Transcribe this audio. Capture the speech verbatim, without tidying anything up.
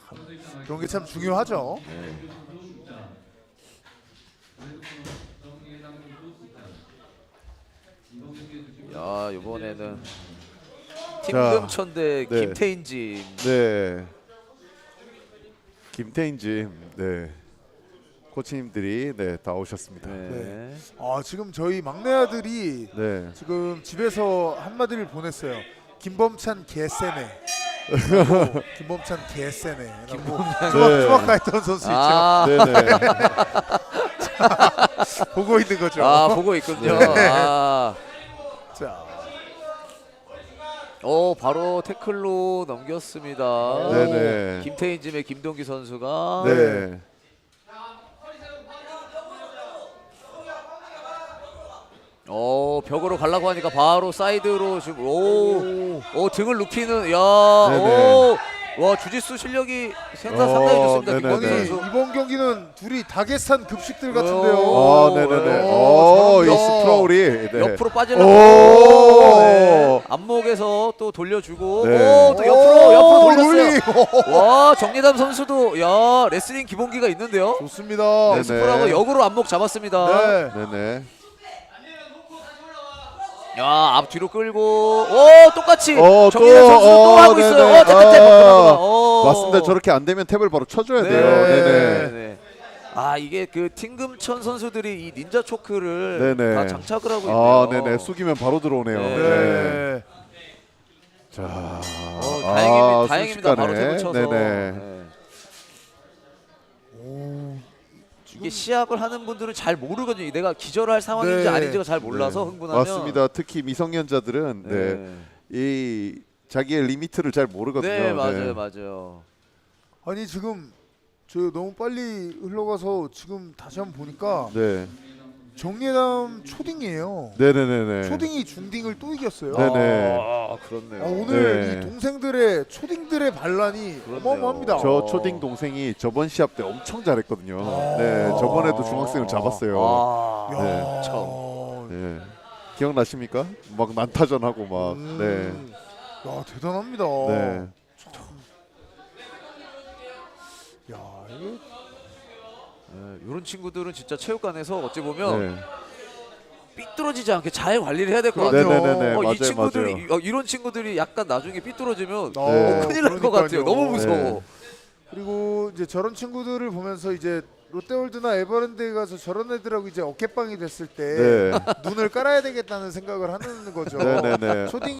그런 게 참 중요하죠. 네. 야, 이번에는 팀금천 대 네. 김태인진. 네. 김태인진, 네. 코치님들이 네, 다 오셨습니다. 네. 네. 아 지금 저희 막내 아들이 네. 지금 집에서 한마디를 보냈어요. 김범찬 개쎄네. 라고, 김범찬 개쎄네. 김범찬 네. 투박가했던 선수 있죠. 아, 네네. 보고 있는 거죠. 아 보고 있군요. 네. 아, 자, 어 바로 태클로 넘겼습니다. 네네. 김태인진의 김동기 선수가. 네. 어 벽으로 가려고 하니까 바로 사이드로 지금 오, 오 등을 눕히는 야, 네네. 오, 와 주짓수 실력이 생각 어, 상당히 좋습니다. 네네네. 김동기 아니 선수. 이번 경기는 둘이 다게스탄 급식들 오. 같은데요. 아, 네네네. 오, 오, 이 잘한다. 스크롤이. 네. 옆으로 빠지려고. 오. 네. 앞목에서 또 돌려주고 네. 오, 또 옆으로 옆으로 돌렸어요. 롤링. 와 정리담 선수도 야 레슬링 기본기가 있는데요. 좋습니다. 네네. 스프라고 역으로 앞목 잡았습니다. 네. 네네. 야 앞뒤로 끌고 오 똑같이 어, 정리담 선수 또 어, 하고 있어요. 네네. 어 탭탭탭 아, 어. 맞습니다. 저렇게 안 되면 탭을 바로 쳐줘야 네. 돼요. 네네. 네. 아 이게 그 팀금천 선수들이 이 닌자 초크를 네네. 다 장착을 하고 있네요. 아, 네네. 숙이면 바로 들어오네요. 네. 네. 자, 어, 다행입니다. 아, 다행입니다. 바로 순식간에. 대고 쳐서. 네네. 네. 오, 이게 시합을 하는 분들은 잘 모르거든요. 내가 기절할 상황인지 네. 아닌지가 잘 몰라서 네. 흥분하면. 맞습니다. 특히 미성년자들은 네. 네, 이 자기의 리미트를 잘 모르거든요. 네 맞아요, 네. 맞아요. 아니 지금 저 너무 빨리 흘러가서 지금 다시 한번 보니까 네. 정예남 초딩이에요. 네네네네. 초딩이 중딩을 또 이겼어요. 네네. 아 그렇네요. 아, 오늘 네. 이 동생들의 초딩들의 반란이 그렇네요. 어마어마합니다. 저 초딩 동생이 저번 시합 때 엄청 잘했거든요. 네, 저번에도 중학생을 잡았어요. 아, 야, 네. 참. 네. 기억나십니까? 막 난타전하고 막. 음, 야 대단합니다. 네. 네. 야 이게 이런 친구들은 진짜 체육관에서 어찌 보면 네. 삐뚤어지지 않게 잘 관리를 해야 될 것 그럼요. 같아요. 네네네네. 어, 맞아요, 이 친구들이 맞아요. 이- 어, 이런 친구들이 약간 나중에 삐뚤어지면 어, 네. 큰일 날 것 같아요. 그러니까요. 너무 무서워. 네. 그리고 이제 저런 친구들을 보면서 이제 롯데월드나 에버랜드에 가서 저런 애들하고 이제 어깨빵이 됐을 때 네. 눈을 깔아야 되겠다는 생각을 하는 거죠. 네네네. 초딩